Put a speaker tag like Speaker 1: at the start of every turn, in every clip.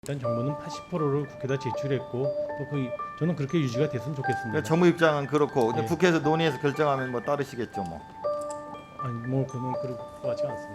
Speaker 1: 일단 정부는 80%를 국회에다 제출했고 또 저는 그렇게 유지가 됐으면 좋겠습니다.
Speaker 2: 그러니까 정부 입장은 그렇고 근데
Speaker 1: 예.
Speaker 2: 국회에서 논의해서 결정하면 뭐 따르시겠죠 뭐.
Speaker 1: 아니 뭐 그건 그럴 것 같지 않습니다.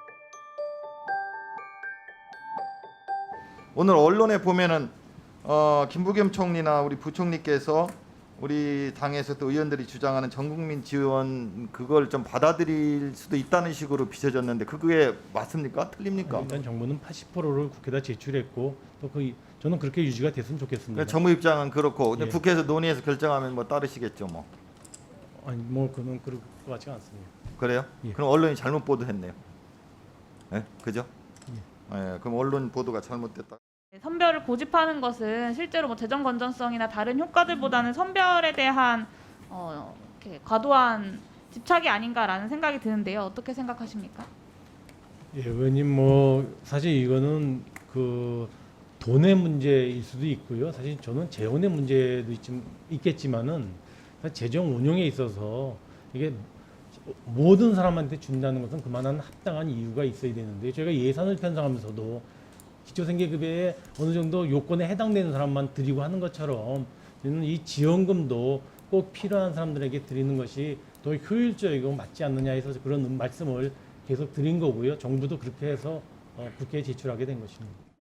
Speaker 2: 오늘 언론에 보면은 김부겸 총리나 우리 부총리께서 우리 당에서 또 의원들이 주장하는 전국민 지원 그걸 좀 받아들일 수도 있다는 식으로 비춰졌는데 그게 맞습니까? 틀립니까?
Speaker 1: 일단 정부는 80%를 국회에다 제출했고 또 저는 그렇게 유지가 됐으면 좋겠습니다.
Speaker 2: 그러니까 정부 입장은 그렇고 근데
Speaker 1: 예.
Speaker 2: 국회에서 논의해서 결정하면 뭐 따르시겠죠 뭐.
Speaker 1: 아니 뭐 그건 그럴 것 같지 않습니다.
Speaker 2: 그래요?
Speaker 1: 예.
Speaker 2: 그럼 언론이 잘못 보도했네요. 예? 그죠? 예. 그럼 언론 보도가 잘못됐다.
Speaker 3: 선별을 고집하는 것은 실제로 뭐 재정 건전성이나 다른 효과들보다는 선별에 대한 이렇게 과도한 집착이 아닌가라는 생각이 드는데요. 어떻게 생각하십니까?
Speaker 1: 예, 의원님 뭐 사실 이거는 그 돈의 문제일 수도 있고요. 사실 저는 재원의 문제도 있겠지만은 재정 운용에 있어서 이게 모든 사람한테 준다는 것은 그만한 합당한 이유가 있어야 되는데 저희가 예산을 편성하면서도 기초생계급여에 어느 정도 요건에 해당되는 사람만 드리고 하는 것처럼 저는 이 지원금도 꼭 필요한 사람들에게 드리는 것이 더 효율적이고 맞지 않느냐 해서 그런 말씀을 계속 드린 거고요. 정부도 그렇게 해서 국회에 제출하게 된 것입니다.